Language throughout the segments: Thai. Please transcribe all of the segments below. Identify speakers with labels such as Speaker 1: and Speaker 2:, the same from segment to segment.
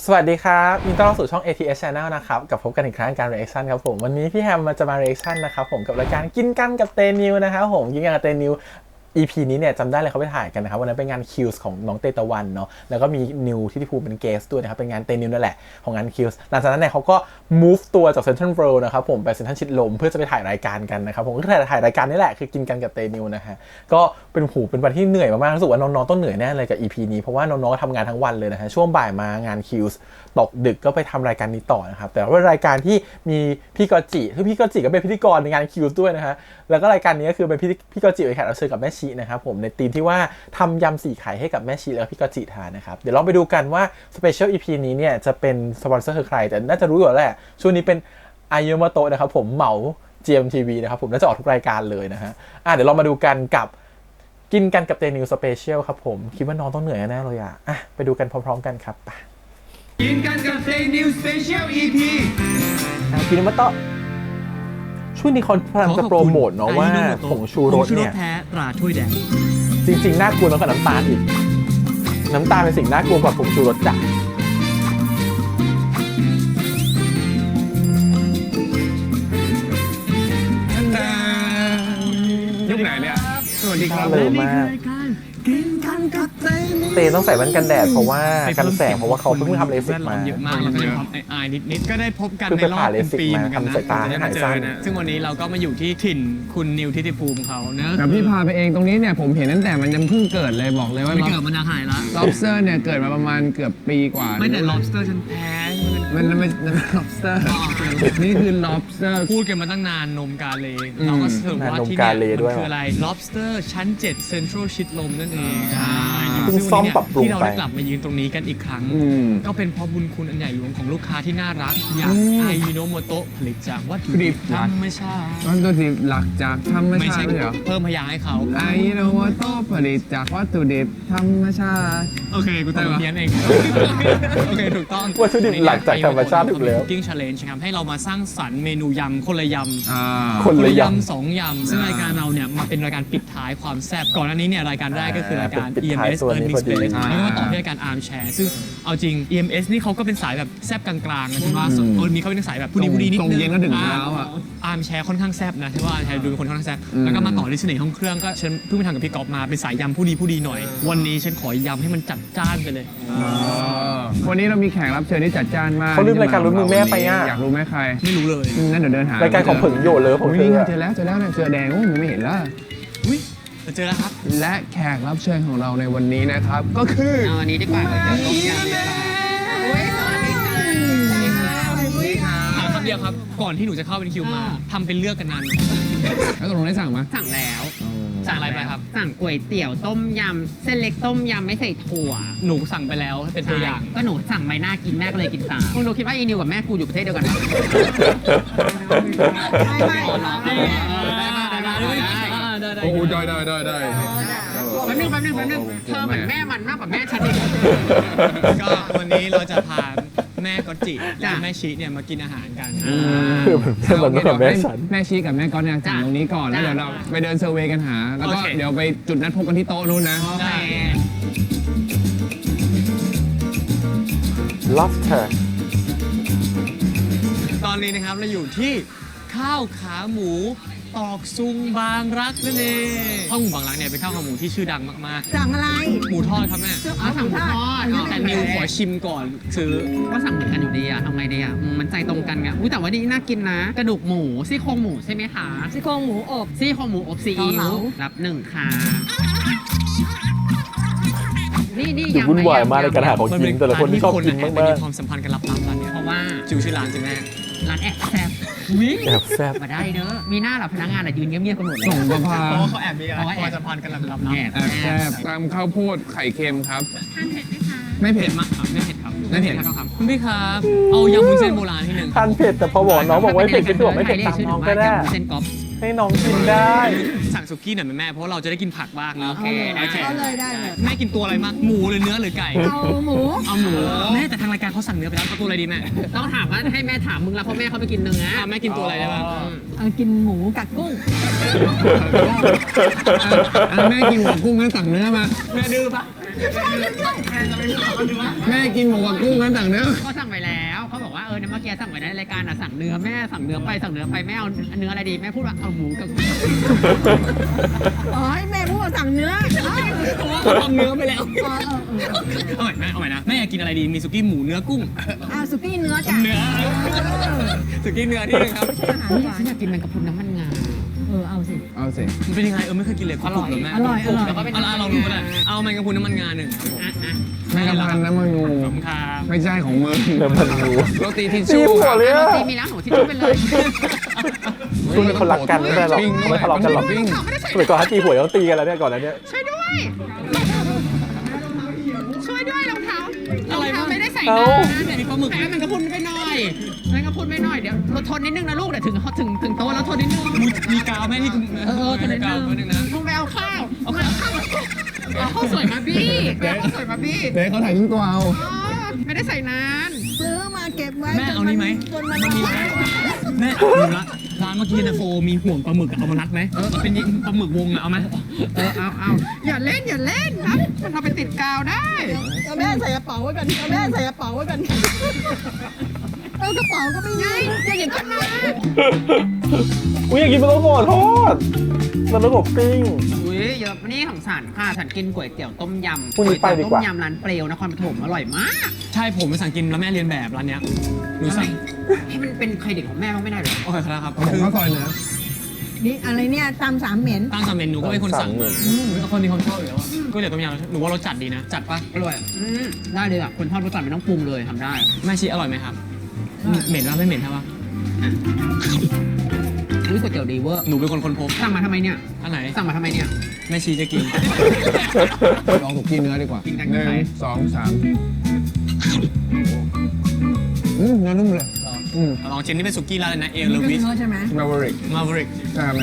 Speaker 1: สวัสดีครับยินดีต้อนรับสู่ช่อง ATS Channel นะครับกับพบกันอีกครั้งการ reaction ครับผมวันนี้พี่แฮมจะมา reaction นะครับผมกับรายการกินกันกับเตนิวนะครับผมกินกันกับเตนิว EP นี้เนี่ยจำได้เลยเขาไปถ่ายกันนะครับวันนั้นเป็นงานคิวส์ของน้องเตตะวันเนาะแล้วก็มีนิวที่ภูมิเป็นเกสด้วยนะครับเป็นงานเตนิวนั่นแหละของงานคิวส์หลังจากนั้นเนี่ยเขาก็ move ตัวจากเซ็นทรัลเวิลด์นะครับผมไปเซ็นทรัลชิดลมเพื่อจะไปถ่ายรายการกันนะครับผมก็ถ่ายรายการนี่แหละคือกินกันกับเตนิวนะฮะก็เป็นวันที่เหนื่อยมากๆรู้สึกว่าน้องๆต้องเหนื่อยแน่เลยกับ EP นี้เพราะว่าน้องๆก็ทำงานทั้งวันเลยนะฮะช่วงบ่ายมางานคิวส์ตกดึกก็ไปทำรายการนี้ต่อนะครับแต่ว่ารายการที่มีพี่กอจิคือพี่กอจิก็เป็นพิธีกรในงานคิวส์ด้วยนะฮะแล้วก็รายการนี้ก็คือเป็นพี่กอจิไปแขกรับเชิญกับแม่ชีนะครับผมในทีมที่ว่าทำยำสี่ไข่ให้กับแม่ชีแล้วก็พี่กอจิทานนะครับเดี๋ยวลองไปดูกันว่าสเปเชียล EP นี้เนี่ยจะเป็นสปอนเซอร์คือใครแต่น่าจะรู้อยู่แล้วแหละช่วงนี้เป็นอายโมโตะนะครับผมเหมา GMTV นะครับผมน่าจะออกทุกรายการเลยนะฮะเดี๋ยวเรามาดูกันกับกินกันกับเตนิวสเปเชียลครับผมคิดว่าน้องต้องเหนื่อยแน่เลยไปดูกันพร้อมๆกันครับ
Speaker 2: กินกันกับเตนิวสเปเชียล EP
Speaker 1: กินมาต่อช่วงนี้เขาพยายามจะโปรโมทเนาะว่าผงชูรสเนี่ย
Speaker 3: แท้ตราถ้วยแดง
Speaker 1: จริงๆน่ากลัวน้อยกว่าน้ำตาลอีกน้ำตาลเป็นสิ่งน่ากลัวกว่าผงชูรสจ้ะ
Speaker 2: ยุคไหนเนี่ยสวัสดีครับ
Speaker 1: เลยมากเตต้องใส่แว่นกันแดดเพราะว่ากันแสงเพราะว่าเขาเพิ่งทำเลสิกมา
Speaker 3: เยอะมากแล้วก็มีความอายนิดๆก็ได้พบกันในรอบเป็นปีเหมือนกันนะจะมาเจอนะซึ่งวันนี้เราก็มาอยู่ที่ถิ่นคุณนิวทิติภูมิเขาเนอะ
Speaker 2: แต่พี่พาไปเองตรงนี้เนี่ยผมเห็นตั้งแต่มันยังเพิ่งเกิดเลยบอกเลยว่า
Speaker 3: ไม่เกิดมันจะหายละ
Speaker 2: lobster เนี่ยเกิดมาประมาณเกือบปีกว่า
Speaker 3: ไม่แต่ lobster ฉันแพ้
Speaker 2: มัน lobster นี่คือ lobster
Speaker 3: พูดกันมาตั้งนานนมกาเลเราก็สรุปว่าที่นี่มันคืออะไร lobster ชั้น 7 Central ชิดลมนั่นเอง
Speaker 1: เพิ่งซ่อมปรับปรุงไป
Speaker 3: ที่เราได้กลับมายืนตรงนี้กันอีกครั้งก็เป็นเพราะบุญคุณอันใหญ่หลวงของลูกค้าที่น่ารักอย่างไอยิโนโมโตะผลิตจากวัตถุดิบธรรมชาติ
Speaker 2: วัตถุดิบหลักจากธรรมชาติเหรอ
Speaker 3: เพิ่มพยางค์ให้เขา
Speaker 2: ไอยิโนโมโตะผลิตจากวัตถุดิบธรรมชาติ
Speaker 3: โอเคกูแต่เพี้ยนเองโอเคถูกต้อง
Speaker 1: วัตถุดิบหลักจากธรรมชาติถูกแล้ว
Speaker 3: Cooking Challenge ครับให้เรามาสร้างสรรค์เมนูยำคนละยำ
Speaker 1: คนละย
Speaker 3: ำ2 ยำซึ่งรายการเราเนี่ยมาเป็นรายการปิดท้ายความแซ่บก่อนหน้านี้เนี่ยรายการแรกก็คือรายการ EMS Earning Space แล้วก็ต่อที่รายการ Arm Share ซึ่งเอาจริง EMS นี่เขาก็เป็นสายแบบแซ่บกลางๆนะใช่ไหมมีเขาเป็นสายแบบผู้ดีนิดนึง
Speaker 2: ตรงเย็นก็ถึงเช้า
Speaker 3: Arm Share ค่อนข้างแซ่บนะใช่ว่า Arm Share ดูเป็นคนค่อนข้างแซ่บแล้วก็มาต่อที่เสน่ห์ห้องเครื่องก็ฉันเพิ่งไปทำกับพี่ก๊อฟมาเป็นสายยำผู้ดีหน่อยวันนี้ฉันขอยำให้มันจัดจ้านไปเลย
Speaker 2: วันนี้เรามีแขกรับเชิญที่จัดจ้านมาก
Speaker 1: เขาลืมรายการลุ้นมือแม่ไป
Speaker 2: อยากรู้ไหมใคร
Speaker 3: ไม่รู้เลย
Speaker 2: นั่นเดี๋ยวเดินหาร
Speaker 1: ายการของผึ่งโยเลยผม
Speaker 2: เจอแล้วเนี่ยเสื้อแดงไม่เห็นแล้ว
Speaker 3: เจอแล้วครับ
Speaker 2: และแขกรับเชิญของเราในวันนี้นะครับก็คือ
Speaker 3: วันนี้ดีกว่าเราจะต้มยำดีกว่าถามคำเดียวครับก่อนที่หนูจะเข้าเป็นคิวมาทำเป็นเลือกกันนาน
Speaker 2: แล้วตกลงได้สั่งไหม
Speaker 4: สั่งแล้ว
Speaker 3: สั่งอะไรไปครับ
Speaker 4: สั่งก๋วยเตี๋ยวต้มยำเส้นเล็กต้มยำไม่ใส่ถั่ว
Speaker 3: หนูสั่งไปแล้วเป็นตัวอย่าง
Speaker 4: ก็หนูสั่งใบหน้ากินแม่ก็เลยกินตามคุณดูคิดว่าอีนิวกับแม่กูอยู่ประเทศเดียวกันไหมไม่
Speaker 2: โอ้ได้
Speaker 4: แป๊บนึงเธอเหมือนแม่มันมากกว่าแม่ฉันอีก
Speaker 3: ก็วันนี้เราจะพาแม่ก๊อตจิและแม่ชีเนี่ยมากินอาหารกัน
Speaker 1: เหมือนกับแม่ฉัน
Speaker 2: แม่ชีกับแม่ก๊อตเนี่ยสั่งตรงนี้ก่อนแล้วเดี๋ยวเราไปเดินเซอร์เวย์กันหาแล้วก็เดี๋ยวไปจุดนัดพบกันที่โต๊ะนู้นนะ
Speaker 1: Lobster
Speaker 3: ตอนนี้นะครับเราอยู่ที่ข้าวขาหมูตอกซุงบางรักนั่นเองข้าวหมูบางรักเนี่ยเป็นข้าวขาหมูที่ชื่อดังมาก
Speaker 4: ๆสั่งอะไร
Speaker 3: หมูทอดครับแม่
Speaker 4: สั่งหมูทอด
Speaker 3: แต่นิวขอชิมก่อนซื้อ
Speaker 4: ก็สั่งเหมือนกันอยู่ดีอะทำไงดีอะมันใจตรงกันไงแต่ว่านี่น่ากินนะกระดูกหมูซี่โครงหมูใช่ไหมคะ
Speaker 5: ซี่โครงหมูอบ
Speaker 4: ซี่โครงหมูอบซีอิ๊วรับ1ค่ะนี่
Speaker 1: วุ่นวายมากในการหาของกินแต่ละคนที่ชอบกินมากๆ
Speaker 3: มีความสัมพันธ์กันลับๆร้านนี้
Speaker 4: เพราะว่า
Speaker 3: ชื่อร้านจริงแม่
Speaker 4: ร้านแอบแซ่บ
Speaker 1: แอบแซ่บ
Speaker 4: มาได้เด้อมีหน้าหลับพนักงานยืนเงียบๆกันหมดเลย
Speaker 2: ส่งประพา
Speaker 3: เพราะเขาแอบมีอะไรความสัมพันธ์กันลับๆ
Speaker 2: แอบแซ่บตามข้าวโพดไข่เค็มครับ
Speaker 5: ทานเผ็ดไหมคะ
Speaker 3: ไม่เผ็ดมากครับไม่เผ็ดครับคุณพี่ครับเอายำวุ้นเส้นโบราณที่หนึ่ง
Speaker 1: ทานเผ็ดแต่พอบอกน้องบอกว่าเผ็ดก็บอกไม่เผ็ดตามน้องก็ได้ให้น้องกินได้
Speaker 3: สั่งสุกี้หน่อยไหมแม่เพราะเราจะได้กินผักบ้างนะ
Speaker 5: โอเคได้เลย
Speaker 3: แม่กินตัวอะไรมากหมูหรือเนื้อหรือไก่
Speaker 5: เอาหมู
Speaker 3: แม่แต่ทางรายการเขาสั่งเนื้อไปแล้วตัวอะไรดีแม่
Speaker 4: ต้องถามว่าให้แม่ถามมึงแล้วเพราะแม่เขาไปกินเนื้อ
Speaker 3: แม่กินตัวอะไรได้บ้าง
Speaker 5: กินหมูกัดกุ้ง
Speaker 2: แม่กินหัวกุ้งงั้นสั่งเนื้อมา
Speaker 3: แม่ดื้อปะ
Speaker 2: แม่กินหมูกับกุ้งนั้นต่างเนื้อ
Speaker 4: เขาสั่งไปแล้วเขาบอกว่าเนี่ยเมื่อกี้สั่งไปในรายการสั่งเนื้อแม่สั่งเนื้อไปแม่เอาเนื้ออะไรดีแม่พูดว่าเอาหมูกับ
Speaker 5: อ๋อให้แม่พูดว่าสั่งเนื้อ
Speaker 3: เขาทำเนื้อไปแล้ว
Speaker 5: เออ
Speaker 3: เอาใหม่นะแม่อยากกินอะไรดีมีสุกี้หมูเนื้อกุ้ง
Speaker 5: สุกี้เนื้อจ้ะ
Speaker 3: เนื้อสุกี้เนื้อที่นึงครับ
Speaker 5: อาหารหวาน
Speaker 4: ฉันอยากกินแมงกะพรุนน้ำมันงา
Speaker 5: เอาสิ
Speaker 2: เอาสิ
Speaker 3: มันเป็นยังไงไม่เคยกินเลย
Speaker 4: อร่อย
Speaker 3: เหแม่
Speaker 5: อร่อย
Speaker 4: แล้วก็เป็น
Speaker 3: เอาลองดูก็ได้เอาแมงกะพรุนน้ำมันงาหนึ่งครับผม
Speaker 2: แม่กะพันน้ำมันงู
Speaker 3: ขอบคุณครับ
Speaker 2: ไม่ใช่ของมึง
Speaker 1: น้ำมันงู
Speaker 2: โรตีทิช
Speaker 1: ตี
Speaker 2: ชู่
Speaker 1: หัวเลยอะ
Speaker 4: ตีมีร้านหนูที่ชุบไปเลย
Speaker 1: ช่วงนี้เขารักกันไม่ได้หรอกเขาไม่ทะเลาะกันหรอกสมัยก่อนถ้าตีหัวต้องตีกันแล้วเนี่ยก่อนแล้วเนี่ย
Speaker 4: ช่วยด้วยรองเท้าไม่ได้ใส่
Speaker 1: เอ้า
Speaker 4: น้ำมีปลาหมึกแมงกะพรุนไปหน่อยเดี๋ยวเราทนนิดนึงนะลูกเดี๋ยวถึงโต๊ะแล้วทนนิดนึง
Speaker 3: มีกาวแม่นี่
Speaker 4: ทนนิด
Speaker 3: กาว
Speaker 4: นึ
Speaker 3: นึ
Speaker 4: ง
Speaker 3: งนะ
Speaker 4: ลุงไปเอาข้าวเอาข้าวสวยมาบี้เดี๋ยวข้าวสวยมาบี้
Speaker 2: เดี๋ยวเขาถ่ายรูปตัวเอา
Speaker 4: ไม่ได้ใส่นาน
Speaker 5: ซื้อมาเก็บไว้
Speaker 3: แม่เอานี่ไหม
Speaker 5: จนมัน
Speaker 3: มีไหมแม่ดูละร้านเมื่อกี้นะโฟมีห่วงปลาหมึกเอามารัดไหมเป็นปลาหมึกวงอะเอาไหม
Speaker 4: เอาอย่าเล่นครับมันเอาไปติดกาวได้
Speaker 5: เอาแม่ใส่กระเป๋าไว้กันเอาแม่ใส่กระเป๋าไว้กันเอากระเป๋าก็ไม่มี
Speaker 4: อย่าหยิบขึ้นมา
Speaker 1: อุ้ยอยากกินปลาต้องโกะทอดปลาต้องโกะปิ้ง
Speaker 4: อุ้ยเยอะนี่ของฉันค่ะฉันกินก๋วยเตี๋ยวต้มยำ
Speaker 1: พรุ่งนี้ไปดีกว่า
Speaker 4: ต้มยำร้านเปรียวนครปฐมอร่อยมาก
Speaker 3: ใช่ผมไปสั่งกินแล้วแม่เรียนแบบร้านเนี้ยหนูสั่ง
Speaker 4: ให้มันเป็นเครดิตของแม่บ้างไม่ได้เหรอ
Speaker 3: โอเคครับ
Speaker 2: ผมข้าวซอยเนื้อ
Speaker 5: นี่อะไรเนี่ยตำสามเหม็น
Speaker 3: ตั้งสามเมนูก็เป็นคนสั่งมาคนมีความชอบอยู่แล้วก็เดี๋ยวต้มยำหนูว่ารสจัดดีนะจัดปะ
Speaker 4: อร่อยได้เลยอ่ะคนทอดรสจัดไม่ต้องปรุงเลยทำได้
Speaker 3: แม่ชีอร่อยไหมครับเหม็นปะไม่เหม็นใช่ปะ
Speaker 4: อุ้ยก๋วยเตี๋ยวดีเวอร์
Speaker 3: หนูเป็นคนพบ
Speaker 4: สั่งมาทำไมเนี่ย
Speaker 3: อันไหน
Speaker 4: สั่งมาทำไมเนี่ย
Speaker 3: แม่ชีจะกิน
Speaker 2: ลองสุกี้เนื้อดีกว่า
Speaker 4: กินกัน
Speaker 2: หนึ่ง
Speaker 4: ไหน
Speaker 2: สองสามเนื้อนุ่มเลย
Speaker 3: ลองชิมนี่เป็นสุกี้ร้านเลยนะเอล
Speaker 5: นี่ก็
Speaker 3: วิส
Speaker 5: เนื้อใช่ไหม
Speaker 2: มาเวริก
Speaker 3: มาบริก
Speaker 2: ใช่ไหม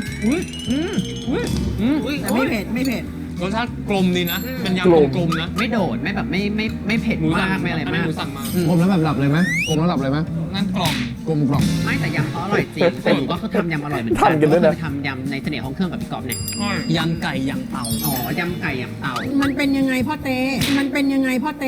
Speaker 4: อุ้ย
Speaker 5: แต่ไม่เผ็ดไม่เผ็ด
Speaker 3: รสชาติกลมดีนะเป็นยำกลมๆนะ
Speaker 4: ไม่โดดไม่แบบไม่เผ็ด
Speaker 3: หนูสั่
Speaker 4: มาง กไม่อะไรมาก
Speaker 3: หนูสั่งมาก
Speaker 2: ลมแล้วแบบหลับเลยไหมกลมแล้วหลับเลยไหม
Speaker 3: นั่นกล่อง
Speaker 2: กลมกล่อม
Speaker 4: ไม่แต่ยำเขาอร่อยจริงแต่หนูก็คือทำยำอร่อยเหมือนกั
Speaker 1: ทำกันด้วยนะ
Speaker 4: เคยทำยำในเสน่ห์ของเครื่องกับพี่กอบเนี่ย
Speaker 3: ยำไก่ยำเตา
Speaker 4: อ๋อยำไก่ยำเต่า
Speaker 5: มันเป็นยังไงพ่อเต้มันเป็นยังไงพ่อเต้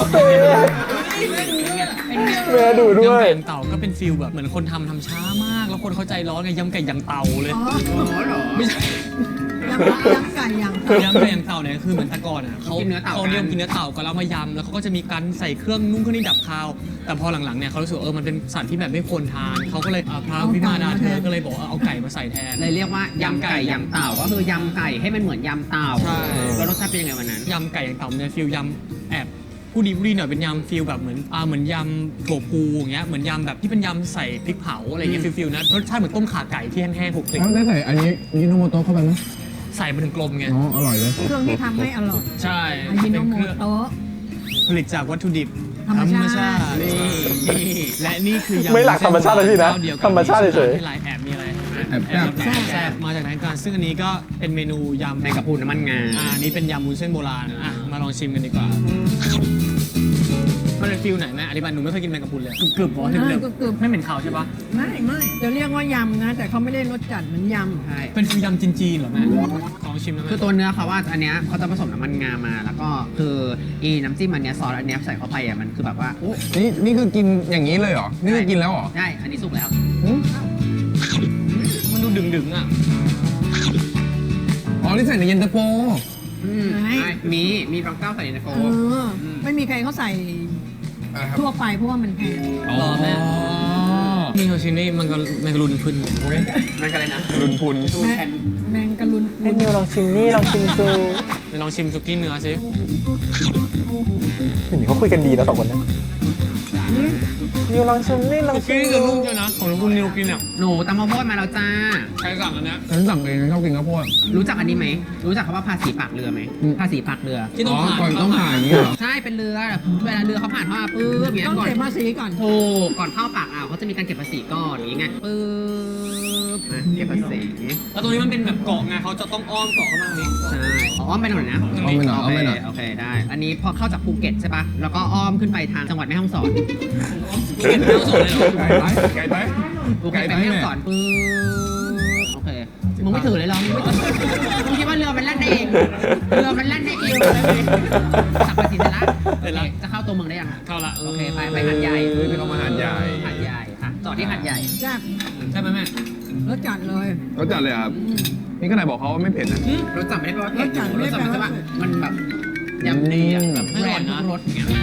Speaker 1: แม่ดูด้วย
Speaker 3: ยำไก่ยำเตาก็เป็นฟิลแบบเหมือนคนทำช้ามาก แล้วคนเข้าใจร้อนไงยำไก่ยำเตาเลย
Speaker 5: อ๋อ
Speaker 3: ไม่ใช่
Speaker 5: ยำไก่ยำ
Speaker 3: ยำไก่ยำเตาเนี่ยคือเหมือนแตะกอนอ่ะเขาเรียกกินเนื้อเต่าก็แล้วมายำแล้วเขาก็จะมีการใส่เครื่องนุ่งเครื่องนี้ดับคาว แต่พอหลังๆเนี่ยเขารู้สึกมันเป็นสัตว์ที่แบบไม่ควรทานเขาก็เลยพระวิมาดาเธอก็เลยบอกเอาไก่มาใส่แทน
Speaker 4: เลยเรียกว่ายำไก่ยำเต่าก็คือยำไก่ให้มันเหมือนยำเต่า
Speaker 3: ใช่
Speaker 4: แล้วรสชาติเป็นยังไงวันนั้น
Speaker 3: ยำไก่อย่างเต่าเนี่ยฟิลยำแอบผู้ดีผู้ดีหน่อยเป็นยำฟิลแบบเหมือนยำถั่วพูอย่างเงี้ยเหมือนยำแบบที่เป็นยำใส่พริกเผาอะไรเงี้ยฟิลนะรสชาติเหมือนต้มข่าไก่ที่แห้งๆคลุกคลิก
Speaker 2: แล้วได้ใส่อันนี้ยิโนโมโตะเข้าไปไหม
Speaker 3: ใส่มาถึงกลมไง
Speaker 2: อ๋ออร่อยเลย
Speaker 5: เครื่องที่ทำให้อร่อย
Speaker 3: ใช่
Speaker 5: อายิโนโม
Speaker 3: เป็นเครื่อง
Speaker 5: โตะ
Speaker 3: ผลิตจากวัตถุดิบ
Speaker 5: ธรรมชาติ
Speaker 3: นี่และนี่คือยำ
Speaker 1: ไม่หลักธรรมชาติเลยพี่นะ
Speaker 3: เจ้าดียวกับ
Speaker 1: ธรรมชาติเฉยๆ
Speaker 3: ที่ไรแอบมีอะไร
Speaker 2: แอบแซ่บ
Speaker 3: แซ่บมาจากไหนกันซึ่งอันนี้ก็เป็นเมนูยำ
Speaker 4: แมงกะพรุนน้ำมันงา
Speaker 3: อันนี้เป็นยำวุ้นเส้นโบราณมาลองชิมกันดีกว่ามันเป็นฟิลไหนแม่อธิบายหนูไม่เคยกินแมงกะพรุนเลยกรึบๆหรอ
Speaker 5: ใช่
Speaker 3: เดิม
Speaker 5: กรึบ
Speaker 3: ๆไม่เหม็นขาวใช่ปะ
Speaker 5: ๆไม่จะเรียกว่ายำนะ แต่เขาไม่ได้รสจัดเหมือนยำ
Speaker 4: ใช่
Speaker 3: เป็นฟิลยำจีนๆเหรอแม่ลองชิมนะ
Speaker 4: คือ
Speaker 3: แม่
Speaker 4: ตัวเนื้อเขาว่าอันเนี้ยเขาจะผสมน้ำมันงามา แล้วก็คือน้ำจิ้มอันเนี้ยซอสอันเนี้ยใส่เข้าไปอ่ะมันคือแบบว่าโอ้
Speaker 2: นี่คือกินอย่างนี้เลยเหรอ นี่คือกินแล้วเหรอ
Speaker 4: ใช่อันนี้สุกแล้ว
Speaker 3: มันดูดึงๆอ่ะ
Speaker 2: อ๋อ นี่ใส่ในเย็นตาโฟ
Speaker 5: ไหน
Speaker 4: ใช่มีบางเก้าใส่ในโฟ
Speaker 5: ไม่มีใครเขาใส่ทั่วไปเพราะว่ามันแพง
Speaker 3: อ๋อแม่นี่เขาชิมนี่มันก็รุนขึ้น
Speaker 4: นั่นกันเลยนะ
Speaker 2: รุนพุน
Speaker 5: แมงกะลุน
Speaker 1: ให้นิวลองชิมนี่ลองชิมดู
Speaker 3: ไปลองชิมสุกี้เนื้อสิ
Speaker 1: เห็นเขาคุยกันดีนะสองคนเนี้นิวลองชิมนี่ลอง
Speaker 3: สุ
Speaker 1: ชิ
Speaker 3: กี้
Speaker 1: ม
Speaker 3: จะ
Speaker 1: ดู
Speaker 3: นุ่มเชียวนะของคุณนิวกินอ่ะ
Speaker 4: หนูตำข้าวโพดมาแล้วจ้า
Speaker 3: ใครสั่งอันเนี้ย
Speaker 2: ฉันสั่งเองชอบกินข้าวโพด
Speaker 4: รู้จักอันนี้ไหมรู้จักคำว่าภาษีปากเรือไหมภาษีปากเรือ
Speaker 3: ที่ต้อง
Speaker 2: อ๋อ
Speaker 3: ผ่าน
Speaker 2: ก่อนต้องผ่านอย่างนี้เหรอ
Speaker 4: ใช่เป็นเรือเวลาเรือเขาผ่านเข้ามาปื๊บอย่างเงี้ย
Speaker 5: ต้อง
Speaker 4: ก่อน
Speaker 5: เก็บภาษีก่อน
Speaker 4: ถูกก่อนเข้าปากอ่าวเขาจะมีการเก็บภาษีก่อนอย่างงี้ไงปื๊บเก็บภาษี
Speaker 3: แล้วตรงนี้มันเป็นแบบเกาะไงเขาจะต้องอ้อมเกาะเข้ามาตรงนี้
Speaker 4: ใช่อ้อมไปหน่อยนะ
Speaker 2: เอาไปหน่อยเอาไปหน่อย
Speaker 4: โอเคได้ อันนี้พอเข้าจากภูเก็ตใช่ปะแล้วก็อ้อมขึ้นไปทางจังหวัดแม่ฮ่องสอน
Speaker 3: เก็บแล้วส่งเลยเหรอ
Speaker 2: ไก่ไหมไก่ไหม
Speaker 4: ภูเก็ตไปแม่ฮ่องสอนปื๊บโอเคมึงไม่ถือเลยเหรอมึงคิดว่าเรือมันแล่นได้เองเรือมันแล่นได้เองเลยขับไปสิเสร็จละโอเคจะเข้าตัวเมืองได้ยัง
Speaker 3: เข้าละ
Speaker 4: โอเคไปหาดใหญ่
Speaker 2: ไม่ต้องมาหาดใหญ่
Speaker 4: หาดใหญ่ค่ะจอดที่หาดใหญ่
Speaker 5: จ้า
Speaker 3: ใช่ไหมแม่
Speaker 5: รสจัดเลย
Speaker 2: ก็จัดเลยครับ นี่ก็ไหนบอกเขาว่าไม่เผ็ดนะ
Speaker 4: รสจัดไม่ได้แปลว่าเผ็ด
Speaker 5: รสจัดไม่
Speaker 4: ร
Speaker 5: ได้
Speaker 4: ส
Speaker 5: แป
Speaker 4: จั
Speaker 5: ล
Speaker 4: ด
Speaker 5: ว่า
Speaker 4: มันแบบยำดีอะแบบแบรนด์ทุกรสอย่างเงี้ย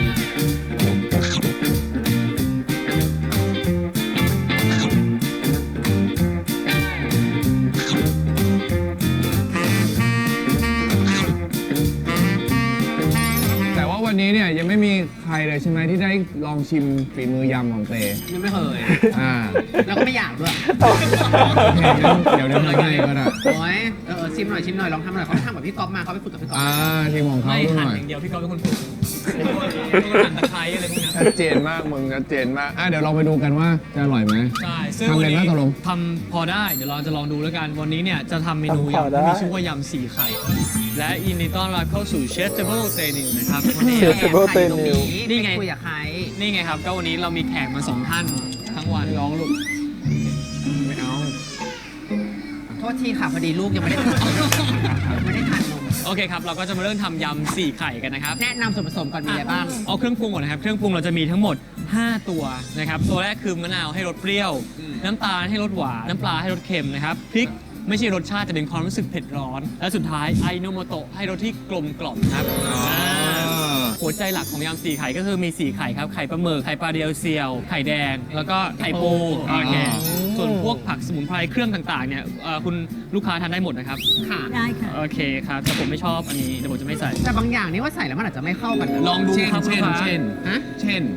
Speaker 2: แต่ว่าวันนี้เนี่ยยังไม่มีใครเลยใช่ไหมที่ได้ลองชิมฝีมือยำของเต
Speaker 4: ยังไม่เคย
Speaker 2: อ่า
Speaker 4: แล้วก็ไม่อยากด้วย
Speaker 2: โอเคงั้นเดี๋ยวทำให้ก็ได้
Speaker 4: โอ้ยชิมหน่อยลองทำหน่อยเขาไปทำกับพี่ก๊อฟมาเขาไปฝึกกับพี่ก๊อฟ
Speaker 2: ทีมของเขา
Speaker 3: ไม่
Speaker 2: ด้
Speaker 3: หั่น
Speaker 2: วย
Speaker 3: อย่างเดียวพี่ก๊อฟเป็นคนฝึกหั่นตะไคร้อะไรพวกนี้
Speaker 2: ชัดเจนมากมึงชัดเจนมากเดี๋ยวลองไปดูกันว่าจะอร่อยไหม
Speaker 3: ใช่ซึ่ง
Speaker 2: ทำ
Speaker 3: วั
Speaker 2: เป็น น
Speaker 3: นี้
Speaker 2: ไหมตกลง
Speaker 3: ทำพอได้เดี๋ยวเราจะลองดูแล้วกันวันนี้เนี่ยจะทำเมนู
Speaker 1: ทำพอได้
Speaker 3: ยำที่มีชื่อว่ายำ4ไข่และยินดีต้อนรับเข้าสู่เชฟเทเบิลเตนิวนะครับวันนี้
Speaker 1: Vegetable
Speaker 4: ใครอยู่ตรง
Speaker 1: Tenil
Speaker 3: นี่ไง
Speaker 4: คุยกับใคร
Speaker 3: นี่ไงครับก็วันนี้เรามีแขกมา2ท่านทั้งวันร้องลูก
Speaker 2: ไม่เอา
Speaker 4: โทษทีค่ะพอดีลูกยังไม่ได้ทานไม่ได้ทานนม
Speaker 3: โอเคครับเราก็จะมาเริ่มทำยำ4ไข่กันนะครับ
Speaker 4: แนะนำส่วนผสมก่อนมีอะไรบ้าง
Speaker 3: เอาเครื่องปรุงก่อนนะครับเครื่องปรุงเราจะมีทั้งหมด 5 ตัวนะครับตัวแรกคือมะนาวให้รสเปรี้ยว น้ำตาลให้รสหวานน้ำปลาให้รสเค็มนะครับพริกไม่ใช่รสชาติแต่เป็นความรู้สึกเผ็ดร้อน และสุดท้ายไอโนโมโตะให้รสที่กลมกล่อมครับหัวใจหลักของยำ4ไข่ก็คือมี4ไข่ครับไข่ปลาหมึกไข่ปลาเดียวเซียวไข่แดง แล้วก็ไข่ปูโอเคส่วนพวกผักสมุนไพรเครื่องต่างๆเนี่ยคุณลูกค้าทานได้หมดนะครับ
Speaker 4: ค่ะ
Speaker 5: ได้ค่ะ
Speaker 3: โอเคครับแต่ผมไม่ชอบอันนี้เดี๋ยวผมจะไม่ใส่
Speaker 4: แต่บางอย่างนี่ว่าใส่แล้วมันอาจจะไม่เข้ากันนะ
Speaker 3: ลองดูครับลูกค้า
Speaker 4: ฮะ
Speaker 2: เช่น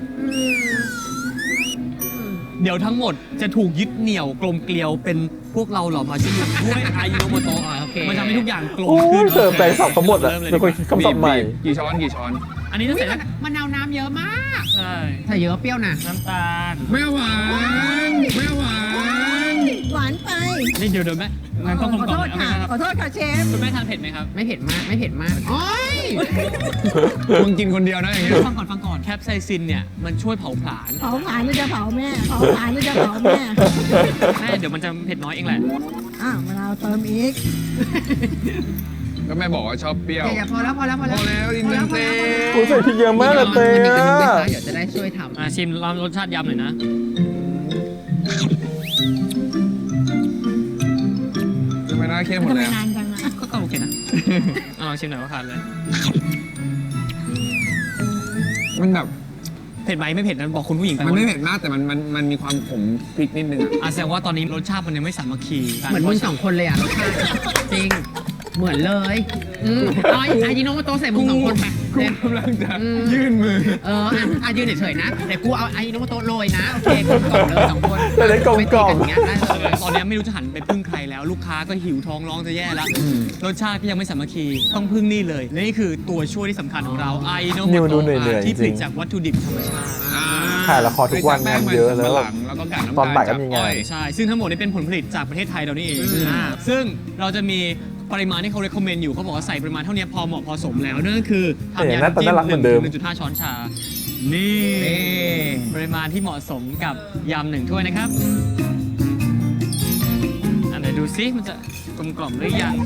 Speaker 3: เดี๋ยวทั้งหมดจะถูกยึดเหนี่ยวกลมเกลียวเป็นพวกเราเหล่ามาชิมด้วยไอโนโมโตะ
Speaker 4: โอเค
Speaker 3: มันทำให้ทุกอย่างกลม
Speaker 1: โอ้
Speaker 3: ขึ้น
Speaker 1: ยเสิร์ฟแปลงสับเขาหมดอ่ะ
Speaker 3: เริ่มเลย
Speaker 1: เป็นคนคิดคำศัพท์ใหม่
Speaker 2: กี่ช้อนกี่ช้อน
Speaker 3: อันนี้จะ
Speaker 4: อุ๊ย
Speaker 3: ใส่
Speaker 4: มะนาวน้ำเยอะมาก
Speaker 3: ใช่
Speaker 4: ใส่เยอะเปรี้ยวนะ
Speaker 3: น้ำตาล
Speaker 2: ไม่หวานไม่หวาน
Speaker 5: หวานไป
Speaker 3: นี่เดี๋ยวแม่งั้นต้อง
Speaker 5: ข
Speaker 3: กล
Speaker 5: อ
Speaker 3: ม
Speaker 5: โท
Speaker 3: ก่อน
Speaker 5: ษ
Speaker 3: เอาไหมครับ
Speaker 5: ค่ะขอโทษค่ะเชฟ
Speaker 3: คุณแม่ทานเผ็ดไหมครับ
Speaker 4: ไม่เผ็ดมากไม่เผ็ดมากโอ้ย
Speaker 2: มึงกินคนเดียวนะอย่างเงี้ย
Speaker 3: ฟังก่อนแคปไซซินเนี่ยมันช่วยเผาผลาญ
Speaker 5: เผาผลาญหรือจะเผาแม่เผาผลาญหรือจะเผาแม่
Speaker 3: แม่เดี๋ยวมันจะเผ็ดน้อยเองแหละ
Speaker 5: มะนาวเติมอีก
Speaker 2: ก็แม่บอกว่าชอบเปรี้ยว
Speaker 4: อย่าพอแล้ว
Speaker 2: พอแล้วอินเตอร์เต้
Speaker 1: โอ้ยใส่พริกเยอะมากเลยเต้
Speaker 4: เดี๋
Speaker 1: อะ
Speaker 4: ยวจะได้ช่วยทำ
Speaker 3: ชิมลองรสชาติยำหน่อยนะ
Speaker 2: จะไม่น่าเข้มหมด
Speaker 5: ทำไม
Speaker 2: แล้ว
Speaker 5: นานจังอ่ะ
Speaker 3: ก็โอเคนะเอาลองชิมหน่อยว่าทานเลย
Speaker 2: มันแบบ
Speaker 3: เผ็ดไหมไม่เผ็ดนะบอกคุณผู้หญิงไป
Speaker 2: มันไม่เผ็ดมากแต่มันมีความขมพริกนิดนึงอะ
Speaker 3: แสดงว่าตอนนี้รสชาติมันยังไม่สามัคคี
Speaker 4: เหมือนมึงสองคนเลยอ่ะรสชาติจริง เหมือนเลยอายิโนโมโตะใส่มึงสองคนไป
Speaker 2: กูกำลังจะยื่นมือ
Speaker 4: ยืนเฉยๆนะแต่กูเอาอายิโนโมโตะโรยนะโอเคกลมกล่อมเลยสองคน
Speaker 1: แต่ได้กลมกล่อม
Speaker 4: ไม่ตีนอย่างเงี้ยได้เลย
Speaker 3: ตอนนี้ไม่รู้จะหันไปพึ่งใครแล้ว ลูกค้าก็หิวท้องร้องจะแย่แล้ว รสชาติก็ยังไม่สามัคคีต้องพึ่งนี่เลยและนี่คือตัวช่วยที่สำคัญของเราไอโนโม
Speaker 1: นิวดู
Speaker 3: โต
Speaker 1: เหนื่อยๆ
Speaker 3: ที่ผลิต
Speaker 1: จริง
Speaker 3: จากวัตถุดิบธรรมชาติ
Speaker 1: ถ่ายละครทุกวันงานเยอะแล้ว
Speaker 2: แล้วก็กากน้ำ
Speaker 1: ตอนบ่ายก็
Speaker 2: จ
Speaker 1: มีงาน
Speaker 3: ใช่ ซึ่งทั้งหมดนี้เป็นผลผลิตจากประเทศไทยเรานี่เองซึ่งเราจะมีปริมาณที่เขา recommend อยู่เขาบอกว่าใส่ปริมาณเท่านี้พอเหมาะพอสมแล้วนั่นก็คือทำ
Speaker 1: แต่
Speaker 3: ยา
Speaker 1: หน้าตาน่ารักเหมือนเดิม
Speaker 3: 1.5 ช้อนชา นี่ ปริมาณที่เหมาะสมกับยำ1 ถ้วยนะครับ อันไหนดูซิมันจะกลมกล่อมหรือยัง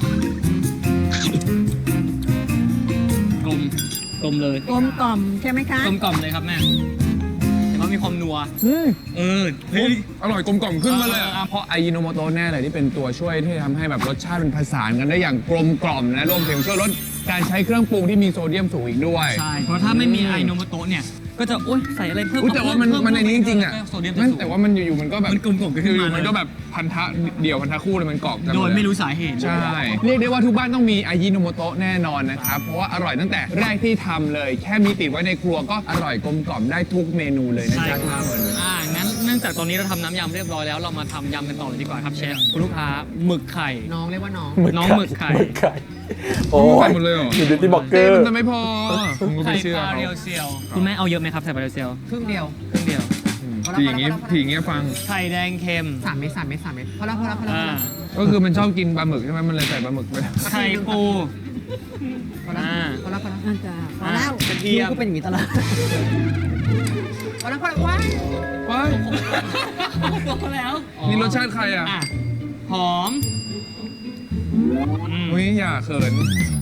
Speaker 3: กลมเลย
Speaker 5: กลมกล่อมใช่ไหมคะ
Speaker 3: กลมกล่อมเลยครับแม่แต่ว่ามีความนัวเฮ้ย
Speaker 2: อร่อยกลมกล่อมขึ้นมาเลยอะเพราะไอยิโนโมโตะแน่เลยที่เป็นตัวช่วยที่ทำให้แบบรสชาติมันผสานกันได้อย่างกลมกล่อมนะรวมถึงช่วยลดการใช้เครื่องปรุงที่มีโซเดียมสูงอีกด้วย
Speaker 3: ใช่ เพราะถ้าไม่มีไอโนโมโตะเนี่ย ก็จะโอ๊ยใส่อะไรเพิ่ม
Speaker 2: อุ๊ยแต่ว่ามันในนี้จริงๆอ่ะ
Speaker 3: โซเดียม
Speaker 2: มัน
Speaker 3: สูง
Speaker 2: แต่ว่ามันอยู่ๆมันก็แบบ
Speaker 3: มันกลมๆขึ้นมา
Speaker 2: อยู่ๆมันก็แบบพันธะเดี่ยวพันธะคู่เลยมันกรอบกัน
Speaker 3: โดย
Speaker 2: หด
Speaker 3: ไม่รู้สาเหตุ
Speaker 2: ใช่ เรียกได้ว่าทุกบ้านต้องมีอายิโนโมโตะแน่นอนนะครับ เพราะว่าอร่อยตั้งแต่แรกที่ทำเลย แค่มีติดไว้ในครัวก็อร่อยกลมกล่อมได้ทุกเมนูเลยนะ
Speaker 3: ใช่
Speaker 2: จ๊ะ
Speaker 3: ครับงั้นเนื่องจากตอนนี้เราทำน้ำยำเรียบร้อยแล้วเรามาทำยำกันต่อเลยดีกว่าครับเชฟคุณลูกค้าหมึกไข่
Speaker 4: น้องเรียกว่าน้อง
Speaker 3: น้องหมึกไข่
Speaker 1: หมึกไข่โอ้
Speaker 2: ใส่
Speaker 1: ย
Speaker 2: หมดเลยเหรอ
Speaker 1: อยู่ดิจิบอกเก
Speaker 2: เต้
Speaker 1: อร์
Speaker 2: มันจะไม่พอผมก็
Speaker 3: ไข่
Speaker 2: ไม่เชื่อ
Speaker 3: ปลา
Speaker 2: เขา
Speaker 3: เรียวเซียวคุณแม่เอาเยอะไหมครับใส่ปลาเรียวเซียว
Speaker 4: ครึ่งเดียว
Speaker 3: ครึ่งเดียว
Speaker 2: ทีอย่างงี้ทีอย่างเงี้ยฟัง
Speaker 3: ไข่แดงเค็ม
Speaker 4: 3 เม็ดพอแล้ว
Speaker 3: อ่า
Speaker 2: ก็คือมันชอบกินปลาหมึกใช่ไหมมันเลยใส่ปลาหมึกไป
Speaker 3: ไข่ปู
Speaker 4: พอแล้วพอแล้ว
Speaker 5: อาจารย์พอแล้ว
Speaker 3: กระเทียม
Speaker 4: ก็เป็นอย่างนี้ตลอดพอแล้วว้าย
Speaker 2: ว้าย
Speaker 3: แล้ว
Speaker 2: นี่รสชาติใครอ่ะ
Speaker 3: หอม
Speaker 2: อุ้ยอย่าเขิน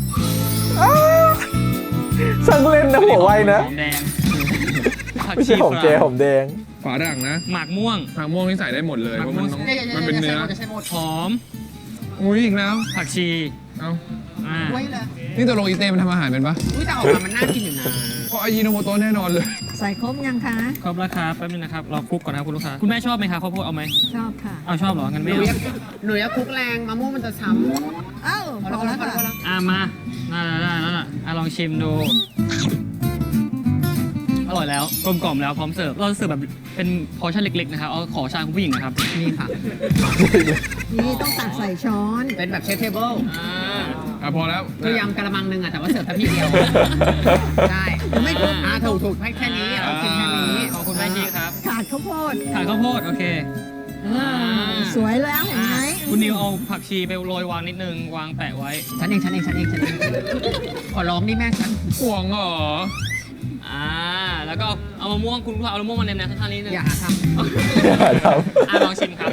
Speaker 1: ช่างเล่นนะหัวไวนะ
Speaker 3: หอมแดงผัก
Speaker 1: ไม่
Speaker 3: ชี
Speaker 1: ใช่หอมเจหอมแดง
Speaker 2: ฝาดังนะ
Speaker 3: หมากม่วง
Speaker 2: ผักม่วงนี่ใส่ได้หมดเลยเพราะมันต้องมันเป็นเนื้อ
Speaker 4: จะใช้หมด
Speaker 3: หอม
Speaker 2: อุ้ยอีกแล้ว
Speaker 3: ผักชี
Speaker 2: เอ้า
Speaker 3: อ่า
Speaker 4: ไว้เลย
Speaker 2: นี่ตกลงอีเต้มันทำอาหารเป็นปะ
Speaker 4: อุ้ยแต่ออกมามันน่ากินอยู่นะ
Speaker 2: เพราะอายิโนโมโตะแน่นอนเลย
Speaker 5: ใส่ครบยังคะ
Speaker 3: ครบแล้วครับแป๊บนึงนะครับรอคลุกก่อนนะครับคุณลูกค้าคุณแม่ชอบไหมครับข้าวโพดเอาไหม
Speaker 5: ชอบค่ะ
Speaker 3: เอาชอบเหรองั้น
Speaker 4: ห
Speaker 3: ไม่
Speaker 4: นู
Speaker 3: เอา
Speaker 4: อยากหนูอยากคลุกแรงมะม่วงมันจะช้ำ
Speaker 5: เอ้าพอแล้วค่ะ
Speaker 3: อ่ะมาได้แล้วล่ะอ่ะลองชิมดู อร่อยแล้วกลมกล่อมแล้วพร้อมเสิร์ฟเราเสิร์ฟแบบเป็นพอร์ชั่นเล็กๆนะครับเอาขอชามคุณผู้หญิงนะครับ
Speaker 4: นี่ค่ะ
Speaker 5: นี่ต้องตักใส่ช้อน
Speaker 4: เป็นแบบเชฟเทเบิล
Speaker 2: พอแล้ว
Speaker 4: คือยำกระมังหนึงอะแต่ว่าเสิร์ฟแค่พี่เดียว ใช่
Speaker 5: ไม่ครบ
Speaker 4: ถูกให้แค่นี้เรากินแค่นี้
Speaker 3: ขอบคุณแม่ชีครับ
Speaker 5: ขาดข้าวโพด
Speaker 3: ขาข้าวโพดโอเค
Speaker 5: สวยแล้วเห็นไหม
Speaker 3: คุณนิวเอาผักชีไปโรยวางนิดนึงวางแปะไว้
Speaker 4: ฉันเองขอร้องนี่แม่ฉัน
Speaker 2: ห่วงเหรอ
Speaker 3: แล้วก็เอามะม่วงคุณลูกค้าเอามะม่วงมาแนมๆข้างๆนิดนึง
Speaker 4: อย่าหาท
Speaker 3: ลองชิมครับ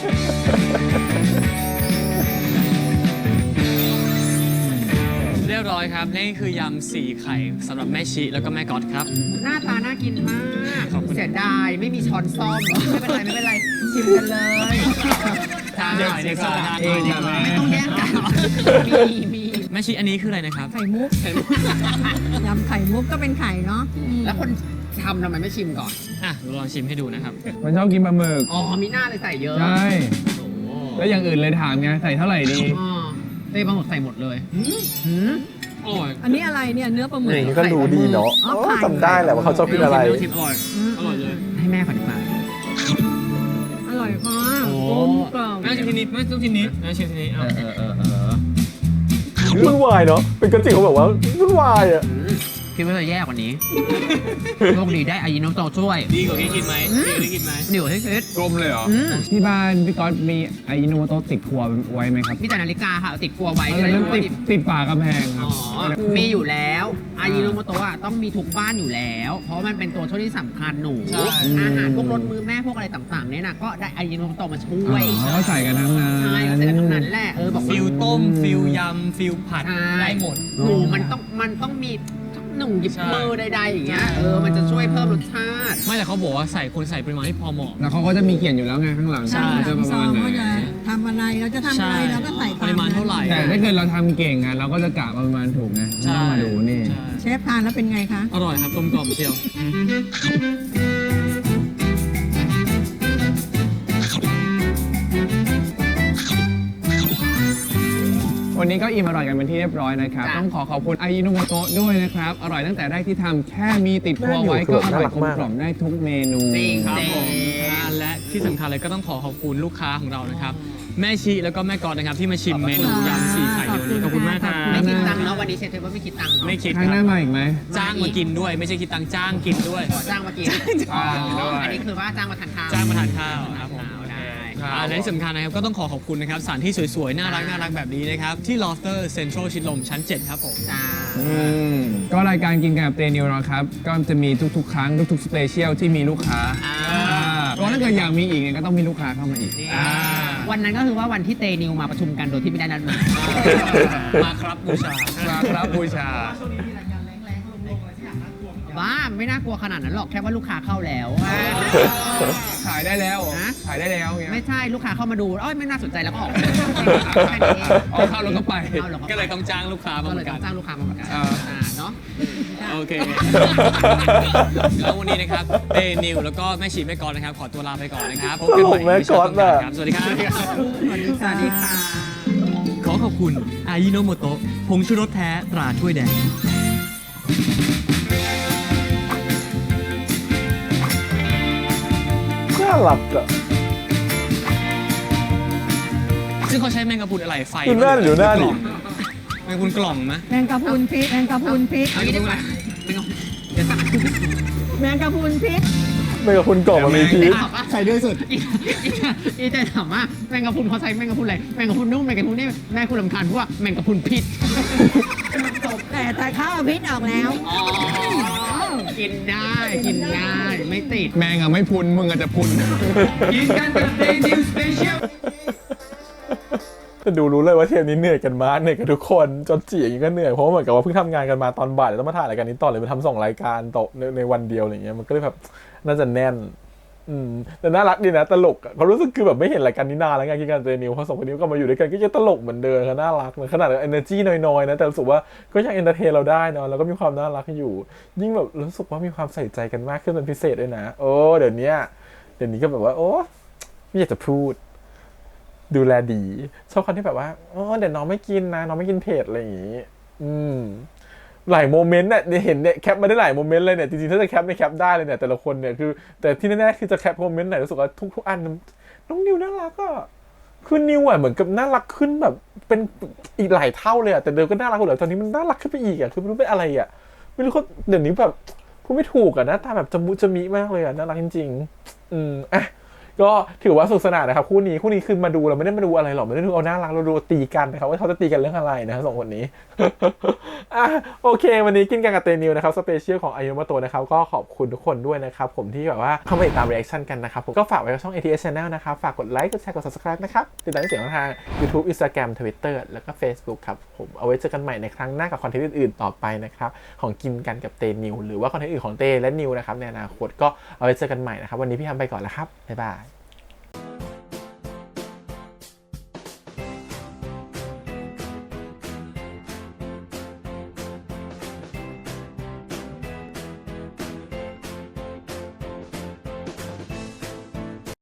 Speaker 3: เรียบร้อยครับนี่คือยำ4ไข่สำหรับแม่ชีแล้วก็แม่ก๊อตครับ
Speaker 4: ำหน้าตาน่ากินมาก
Speaker 3: ขอบคุณ
Speaker 4: เสียดายไม่มีช้อนซ่อมไม่เป็นไรชิมกันเลยใช่
Speaker 3: เดี๋ยวเดี๋ยวก่อนทานหน่อยดีกว่า
Speaker 4: ไม่ต้องแย่งกันมี
Speaker 3: แม่ชีอันนี้คืออะไรนะครับ
Speaker 5: ไข่มุกยำไข่มุกก็เป็นไข่เนาะ
Speaker 4: แล้วคนทำไมไม่ชิมก่อน
Speaker 3: อ่ะลองชิมให้ดูนะครับ
Speaker 2: มันชอบกินปลาหมึก
Speaker 4: อ๋อมีหน้าเลยใส่เยอะ
Speaker 2: ใช่ แล้วอย่างอื่นเลยถามไงใส่เท่าไหร่ดี
Speaker 4: อ๋อเต้ปลาหมึกใส่หมดเลย
Speaker 3: อร่อย
Speaker 5: อันนี้อะไรเนี่ยเนื้อปลาหมึก
Speaker 1: นี่ก็รู้ดีเนาะ
Speaker 5: อ๋อไข่
Speaker 1: จำได้แหละว่าเขาชอบกินอะไร
Speaker 3: ชิมอร่อยอร่อยเลย
Speaker 4: ให้แม่ก่อนดีกว่า
Speaker 5: อร่อยค่ะ
Speaker 3: โอ้
Speaker 5: กลมกล่อม
Speaker 3: แม่ชิมทีนี้แม่ชิมทีนี้แม่ชิมทีนี้เอา
Speaker 1: วุ่นวายเนาะเป็นกันจิเขาแบบว่าวุ่นวายอ่ะ
Speaker 4: คิดว่าจะแย่กว่านี้โชคดีได้อายิโนโตะช่วย
Speaker 3: ดีกว่าที่กินไหมดีกว่าที่กินไหม
Speaker 4: เดี๋ยวให้คิด
Speaker 2: กลมเลยเหรอ ที่บ้านพี่ก๊อตมีอายิโนโมโตะติดครัวไว้ไหมครับ
Speaker 4: มีแต่นาฬิกาค่ะเอาติดครัวไว้
Speaker 2: แล้วนั้นติดฝากระแพงครับ
Speaker 4: มีอยู่แล้วอายิโนโมโตะต้องมีทุกบ้านอยู่แล้ว เพราะมันเป็นตัวช่วยที่สำคัญหนู อาหารพวกรสมือแม่พวกอะไรต่างๆเนี่ยนะก็ได้อายิโนโมโตะมาช่วย
Speaker 2: เขาก็ใส่กันทั้งนั้น
Speaker 4: ใช่ก็แต่ทั้งนั้นแหละบอก
Speaker 3: ฟิลต้มฟิลยำฟิลผัดได้หมด
Speaker 4: หนูมันต้องมีหนุ่งหยิบ
Speaker 3: ใช่
Speaker 4: มือใดๆอย่างเงี้ยมันจะช่วยเพิ่มรสชาติ
Speaker 3: ไม่แต่เขาบอกว่าใส่คนใส่ปริมาณที่พอเหมาะ
Speaker 2: แล้วเขาก็จะมีเขียนอยู่แล้วไงข้างหลัง
Speaker 3: ใช่
Speaker 2: จะประ
Speaker 5: ซอ
Speaker 2: มาณ
Speaker 5: ง
Speaker 2: ไหน
Speaker 5: ก็จะทำอะไรเราจะทำอะไรเราก็ใส่ต
Speaker 3: ปริมาณเท่าไหร่
Speaker 2: แต่ถ้าเกิดเราทำเก่งอะเราก็จะกะประมาณถูกไง
Speaker 3: ใช่
Speaker 2: ต้องมาดูนี่
Speaker 3: ใช่
Speaker 5: เชฟทานแล้วเป็นไงคะ
Speaker 3: อร่อยครับกลมกล่อมเชียว
Speaker 2: วันนี้ก็อิ่มอร่อยกันเป็นที่เรียบร้อยนะครับ
Speaker 4: จ้ะ
Speaker 2: ต้องขอขอบคุณอายิโนโมโตะด้วยนะครับ อร่อยตั้งแต่แรกที่ทำแค่มีติดครัวไว้
Speaker 1: น่าอยู่
Speaker 2: ก็อร่อย
Speaker 1: น่ารัก
Speaker 2: กลม
Speaker 1: มาก
Speaker 2: กล่อมได้ทุกเมนู
Speaker 4: จริง
Speaker 3: ครับผมและที่สำคัญเลยก็ต้องขอขอบคุณลูกค้าของเรานะครับแม่ชีแล้วก็แม่กอดนะครับที่มาชิมเมนูยำ4ไข่เดี๋ยวนี้ขอบคุณมากครับ
Speaker 4: ไม่คิดตังค์เนาะวันนี้เชฟเทเบิลไม่คิดตังค์เนาะ
Speaker 3: ไม่คิด
Speaker 2: ครั้ง
Speaker 3: ค
Speaker 2: ห
Speaker 3: รั
Speaker 2: น้า
Speaker 3: บ
Speaker 2: มาอีกไหม
Speaker 3: จ้างมากินด้วย ไม่ใช่คิดตังค์จ้างกินด้วย
Speaker 4: ขอจ้างมากิน
Speaker 2: จ้างด้วย
Speaker 4: อันนี้คือว่าจ้างมาทานข้าว
Speaker 3: จ้างมาทานข้าวครับผม
Speaker 4: ได้
Speaker 3: และที่สำคัญนะครับก็ต้องขอขอบคุณนะครับสถานที่สวยๆ น่ารักแบบนี้นะครับที่ Lofter Central ชิดลมชั้น 7 ครับผม
Speaker 4: จ้า
Speaker 2: ก็รายการกินกันกับเตนิวนะครับ ก็จะมีทุกๆ ครั้งทุกๆสเปเชียลที่มีลูกค้าก็ถ้าเกิดอยากมีอีกเนี่ยก็ต้องมีลูกค้าเข้ามาอีก
Speaker 4: วันนั้นก็คือว่าวันที่เตนิวมาประชุมกันโดยที่ไม่ได้นัดหมาย
Speaker 3: มาครับบูชา
Speaker 2: มาครับบูชา
Speaker 4: บ้าไม่น่ากลัวขนาดนั้นหรอกแค่ว่าลูกค้าเข้าแล้ว
Speaker 2: ขายได้แล้ว
Speaker 4: ฮะ
Speaker 2: ขายได้แล้วเงี้ย
Speaker 4: ไม่ใช่ลูกค้าเข้ามาดูเอ้ยไม่น่าสนใจแล้วก็ออกแค่นี้เอง
Speaker 2: เอาเข้าแล้วก็ไป
Speaker 4: เอาหรอ
Speaker 3: ก็เลยต้องจ้างลูกค้ามา
Speaker 4: ก็
Speaker 3: เห
Speaker 4: เล
Speaker 3: มื
Speaker 4: ย
Speaker 3: อน
Speaker 4: ต้
Speaker 3: กั
Speaker 4: อน งจ้างลูกค้ามาประกัน
Speaker 2: อ่า
Speaker 4: เนาะ
Speaker 3: โอเค แล้ววันนี้นะครับเตนิวแล้วก็แม่ชีแม่กรนะครับขอตัวลาไปก่อนนะครับพบกันใหม่
Speaker 1: แม่กรน่ะ
Speaker 3: ครับสวัสดีครับ
Speaker 5: สวัสดี
Speaker 4: สวัสดีค่ะ
Speaker 3: ขอขอบคุณอายิโนโมโตะผงชูรสแท้ตราถ้วยแดง
Speaker 1: น่ารักอ่ะ
Speaker 3: ซึ่งเขาใช้แมงกะพรุนอะไรไฟ
Speaker 1: ดูหน้าดิดูหน้าดิ
Speaker 3: แมงกะพรุนกล่องไหม
Speaker 5: แมงกะพรุนพริกแมงกะพรุนพริก
Speaker 4: เอางี้ดีกว่าไม่ต้องเดี๋ยวสั่ง
Speaker 5: แมงกะพรุนพริก
Speaker 1: ไม่กับคุณกล่องมันมีพีช
Speaker 4: ใส่ด้วยสุดอีแต่ถามว่าแมงกะพรุนเขาใช้แมงกะพรุนอะไรแมงกะพรุนนุ่มแมงกะพรุนนี่แม่คุณรำคาญเพราะว่าแมงกะพรุนพิษ
Speaker 5: แต่เขาเอาพริกออกแล้ว
Speaker 4: กินได้กินง่ายไม่ติด
Speaker 2: แมงอะไม่พุนมึงอะจะพุน
Speaker 3: กินกันกับเตนิวสเปเชียล
Speaker 1: แต่ดูรู้เลยว่าเทปนี้เหนื่อยกันมากเหนื่อยกันทุกคนจนจีอย่างนี้ก็เหนื่อยเพราะเหมือนกับว่าเพิ่งทำงานกันมาตอนบ่ายแล้วต้องมาถ่ายรายการนี้ต่อเลยมาทำ2 รายการต่อในวันเดียวอะไรเงี้ยมันก็เลยแบบน่าจะแน่นแต่น่ารักดีนะตลกเขารู้สึกคือแบบไม่เห็นรายการนี้นานแล้วไงกินกันเตนิวพอ2 คนนี้ก็มาอยู่ด้วยกันก็ยังตลกเหมือนเดิมน่ารักเลยขนาด energy น้อยๆนะแต่รู้สึกว่าก็ยัง entertain เราได้นะแล้วก็มีความน่ารักอยู่ยิ่งแบบรู้สึกว่ามีความใส่ใจกันมากขึ้นเป็นพิเศษด้วยนะโอ้เดี๋ยวนี้ก็แบบว่าโอ้ไม่อยากจะพูดดูแลดีชอบคนที่แบบว่าอ๋อเดี๋ยวน้องไม่กินนะน้องไม่กินเผ็ดอะไรอย่างงี้หลายโมเมนต์เนี่ยเห็นเนี่ยแคปมาได้หลายโมเมนต์เลยเนี่ยจริงๆถ้าจะแคปในแคปได้เลยเนี่ยแต่ละคนเนี่ยคือแต่ที่แน่ๆคือจะแคปโมเมนต์ไหนรู้สึกว่าทุกอันน้องนิวน่ารักอ่ะคือนิวอ่ะเหมือนกับน่ารักขึ้นแบบเป็นอีกหลายเท่าเลยอ่ะแต่เดิมก็น่ารักอยู่แล้วตอนนี้มันน่ารักขึ้นไปอีกอ่ะคือไม่รู้เป็นอะไรอ่ะไม่รู้เขาเดี๋ยวนี้แบบพูดไม่ถูกอ่ะหน้าตาแบบจมูกจะมีมากเลยอ่ะน่ารักจริงๆอ่ะก็ถือว่าสนุกสนานนะครับคู่นี้คือมาดูเราไม่ได้มาดูอะไรหรอกไม่ได้ดูเอาน่ารักเราดูตีกันนะครับว่าเขาจะตีกันเรื่องอะไรนะ2 คนนี้ โอเควันนี้กินกันกับเตนิวนะครับสเปเชียลของอายุมาโตนะครับก็ขอบคุณทุกคนด้วยนะครับผมที่แบบว่าเข้ามาติดตามรีแอคชั่นกันนะครับผมก็ฝากไว้กับช่อง ATS Channel นะครับฝากกดไลค์กดแชร์กด Subscribe นะครับติดตามเสียงทาง YouTube Instagram Twitter แล้วก็ Facebook ครับผมเอาไว้เจอกันใหม่ในครั้งหน้ากับคอนเทนต์อื่นๆต่อไปนะครับของกินกันกับเตนิวหรือว่าคอนเทนต์อื่นของเตและนิวนะครับในอนาคตก็เอาไว้เจอกันใหม่นะครับวันนี้พี่ทำไปก่อนแล้วครับบ๊ายบาย